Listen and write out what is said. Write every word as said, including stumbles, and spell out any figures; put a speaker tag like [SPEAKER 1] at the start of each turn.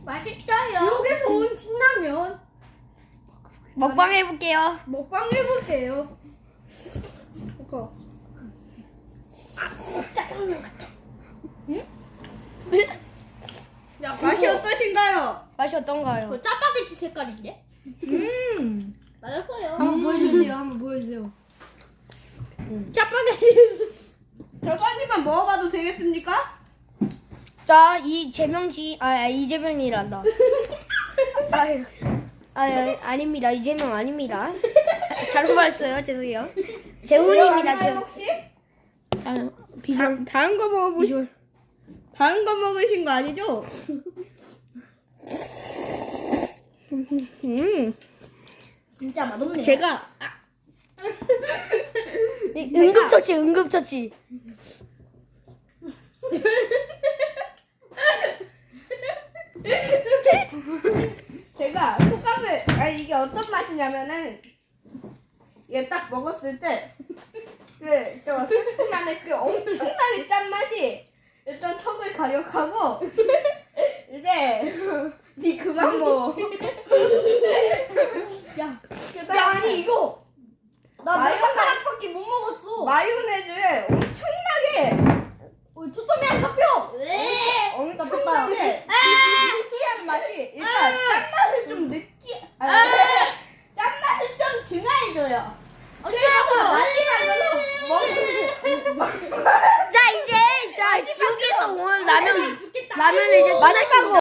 [SPEAKER 1] 맛있어요.
[SPEAKER 2] 지옥에서 온 신라면.
[SPEAKER 3] 먹방 해볼게요.
[SPEAKER 2] 먹방 해볼게요. 이거.
[SPEAKER 1] 짜장면 같아.
[SPEAKER 2] 야, 맛이 어떠신가요?
[SPEAKER 3] 맛이 어떤가요?
[SPEAKER 1] 저 짜파게티 색깔인데?
[SPEAKER 2] 음.
[SPEAKER 1] 맛있어요.
[SPEAKER 3] 한번 보여주세요. 한번 보여주세요.
[SPEAKER 2] 짜파게티. 저도 한 입만 먹어봐도 되겠습니까?
[SPEAKER 3] 자, 이 재명씨, 아, 아, 이재명이란다. 아유, 아, 아닙니다. 이재명 아닙니다. 잘못 말했어요. 죄송해요. 재훈입니다.
[SPEAKER 2] 제
[SPEAKER 3] 재.
[SPEAKER 2] 혹시?
[SPEAKER 3] 아, 비주얼.
[SPEAKER 2] 다, 다른 거 먹어보시. 다른 거 먹으신 거 아니죠? 음.
[SPEAKER 1] 진짜 맛없네요.
[SPEAKER 2] 제가 아,
[SPEAKER 3] 이- 응급처치, 응급처치.
[SPEAKER 2] 제가 소감을 아니 이게 어떤 맛이냐면은 이게 딱 먹었을 때그저 스프 안에 그 엄청나게 짠 맛이 일단 턱을 가격하고 이제 니 그만 먹어.
[SPEAKER 1] 야,
[SPEAKER 2] 그다음에
[SPEAKER 1] 야 아니 이거 나
[SPEAKER 2] 마요네즈.
[SPEAKER 1] 몇 가락밖에 못 먹었어.
[SPEAKER 2] 마요네즈에 엄청나게
[SPEAKER 1] 어, 초점이 안 잡혀. 왜?
[SPEAKER 2] 엄청나게 느끼한 맛이 일단 짠맛을 좀 느끼 아, 짠맛을 좀 중화해줘요. 그래서 마지막으로 먹
[SPEAKER 3] 자, 이제, 자, 지옥에서 온 라면,
[SPEAKER 1] 죽겠다.
[SPEAKER 3] 라면을 이제 맛있다고.